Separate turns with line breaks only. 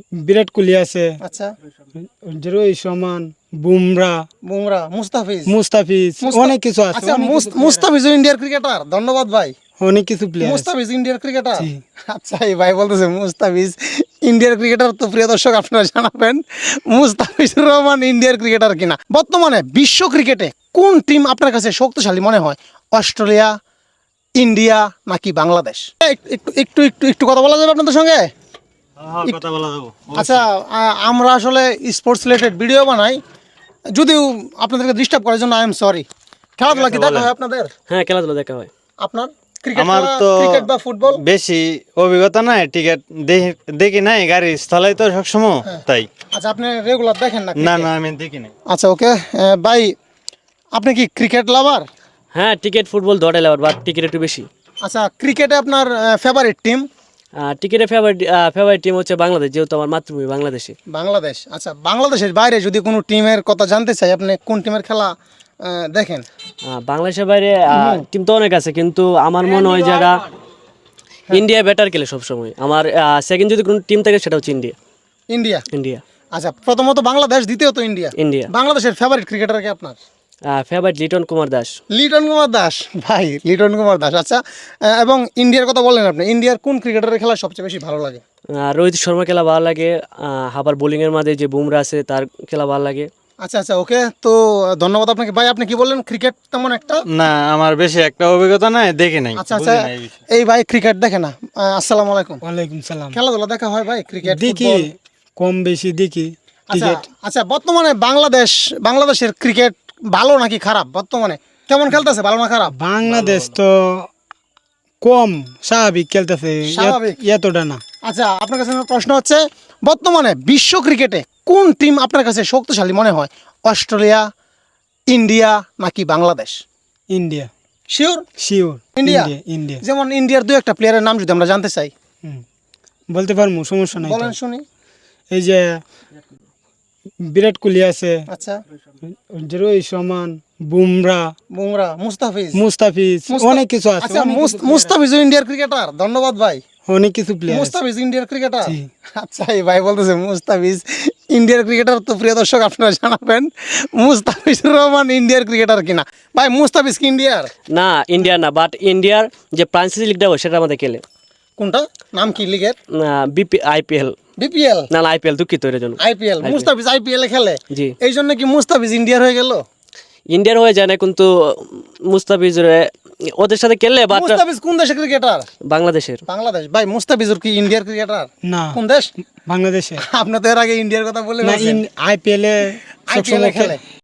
বিরাট কোহলি আছে,
আচ্ছা,
রোহিত শর্মা, বুমরা,
মুস্তাফিজ
মুস্তাফিজ, অনেক কিছু আছে।
আচ্ছা, মুস্তাফিজ ইন্ডিয়ার ক্রিকেটার। ধন্যবাদ ভাই।
অনেক কিছু প্লেয়ার আছে।
মুস্তাফিজ ইন্ডিয়ার ক্রিকেটার।
জি।
আচ্ছা, এই ভাই বলতেছে মুস্তাফিজ ইন্ডিয়ার ক্রিকেটার। তো প্রিয় দর্শক, আপনারা জানাবেন মুস্তাফিজুর রহমান ইন্ডিয়ার ক্রিকেটার কিনা। বর্তমানে বিশ্ব ক্রিকেটে কোন টিম আপনার কাছে শক্তিশালী মনে হয়? অস্ট্রেলিয়া, ইন্ডিয়া নাকি বাংলাদেশ? একটু একটু একটু একটু কথা বলা যাবে আপনাদের সঙ্গে?
কথা বলা যাবো।
আচ্ছা, আমরা আসলে স্পোর্টস রিলেটেড ভিডিও বানাই, যদিও আপনাদেরকে ডিস্টার্ব করার জন্য আই এম সরি। খেলাধুলা কি দেখা হয় আপনাদের?
হ্যাঁ, খেলাধুলা দেখা হয়।
আপনার ক্রিকেট
আমার তো
ক্রিকেট বা ফুটবল?
বেশি অভিজ্ঞতা নাই, টিকিট দেখি নাই, গাড়ি স্থলাই তো সবসময় তাই।
আচ্ছা, আপনি রেগুলার দেখেন না?
না না, আমি দেখি নাই।
আচ্ছা, ওকে ভাই, আপনি কি ক্রিকেট লাভার?
হ্যাঁ, টিকিট ফুটবল দৌড়াই লাভার, বাট টিকিট একটু বেশি।
আচ্ছা, ক্রিকেটে আপনার ফেভারিট টিম?
টিকিটের ফেভারিট টিম হচ্ছে বাংলাদেশ, যেহেতু আমার মাতৃভূমি বাংলাদেশে।
বাংলাদেশ। আচ্ছা, বাংলাদেশের বাইরে যদি কোনো টিমের কথা জানতে চাই, আপনি কোন টিমের খেলা দেখেন?
বাংলাদেশের বাইরে টিম তো অনেক আছে, কিন্তু আমার মনে হয় যারা ইন্ডিয়া বেটার খেলে সবসময়। আমার সেকেন্ড যদি কোনো টিম থাকে সেটা হচ্ছে ইন্ডিয়া।
ইন্ডিয়া।
ইন্ডিয়া।
আচ্ছা, প্রথমত বাংলাদেশ, দ্বিতীয়ত ইন্ডিয়া।
ইন্ডিয়া।
বাংলাদেশের ফেভারিট ক্রিকেটার কি আপনার?
ফেভারিট লিটন কুমার দাস।
লিটন কুমার দাস, ভাই লিটন কুমার দাস। আচ্ছা, এবং ইন্ডিয়ার কথা বললেন আপনি, ইন্ডিয়ার কোন ক্রিকেটারের খেলা সবচেয়ে বেশি ভালো লাগে?
রোহিত শর্মা খেলা ভালো লাগে, আবার বোলিংয়ের মাঝে যে বুমরা আছে তার খেলা ভালো লাগে।
আচ্ছা আচ্ছা, ওকে, তো ধন্যবাদ আপনাকে। ভাই, আপনি কি বললেন? ক্রিকেট তেমন একটা?
না, আমার বেশি একটা অভিজ্ঞতা নাই, দেখি নাই।
আচ্ছা আচ্ছা, এই ভাই ক্রিকেট দেখে না? আসসালামু আলাইকুম।
ওয়ালাইকুম সালাম।
খেলাধুলা দেখা হয় ভাই? ক্রিকেট
দেখি, কম বেশি দেখি।
আচ্ছা আচ্ছা, বর্তমানে বাংলাদেশের ক্রিকেট ভালো নাকি খারাপ? বর্তমানে কেমন খেলতেছে, ভালো না খারাপ?
বাংলাদেশ তো কম, স্বাভাবিক খেলতেছে,
স্বাভাবিক?
এতটা না।
আচ্ছা, আপনার কাছে আমার প্রশ্ন হচ্ছে, বর্তমানে বিশ্ব ক্রিকেটে কোন টিম আপনার কাছে শক্তিশালী মনে হয়? অস্ট্রেলিয়া, ইন্ডিয়া নাকি Bangladesh?
India.
Sure?
Sure.
India?
India.
যেমন ইন্ডিয়ার দু একটা প্লেয়ারের নাম যদি আমরা জানতে চাই।
বলতে পারবো, সমস্যা নাই তো।
বলেন শুনি।
এই যে বিরাট কোহলি আছে,
আচ্ছা,
রোহিত শর্মা, বুমরা, মুস্তাফিজ, অনেক কিছু আছে।
আচ্ছা, মুস্তাফিজ ইন্ডিয়ার ক্রিকেটার। ধন্যবাদ ভাই।
অনেক কিছু প্লেয়ার আছে।
মুস্তাফিজ ইন্ডিয়ার ক্রিকেটার।
জি।
আচ্ছা, এই ভাই বলতেছে মুস্তাফিজ ইন্ডিয়ার ক্রিকেটার। তো প্রিয় দর্শক, আপনারা জানাবেন মুস্তাফিজুর রহমান ইন্ডিয়ার ক্রিকেটার কিনা। ভাই, মুস্তাফিজ কি ইন্ডিয়ার?
না, ইন্ডিয়ার না, বাট ইন্ডিয়ার যে ফ্রান্সিস লিগটা হয় সেটা আমাদের খেলে।
কোনটা? নাম কি লিগের?
আইপিএল।
বিপিএল?
না, আইপিএল, দুঃখিত এর জন্য।
আইপিএল। মুস্তাফিজ আইপিএল এ খেলে?
জি।
এই জন্য কি মুস্তাফিজ ইন্ডিয়ার হয়ে গেল?
ইন্ডিয়ার হয়ে যায় না, কিন্তু মুস্তাফিজ ওদের সাথে খেললে। বাট
মুস্তাফিজ কোন দেশের ক্রিকেটার?
বাংলাদেশের।
বাংলাদেশ। ভাই, মুস্তাফিজুর কি ইন্ডিয়ার ক্রিকেটার?
না।
কোন দেশ?
বাংলাদেশে।
আপনি তো এর আগে ইন্ডিয়ার কথা বলে
না, আইপিএল এ
আইপিএল এ খেলে।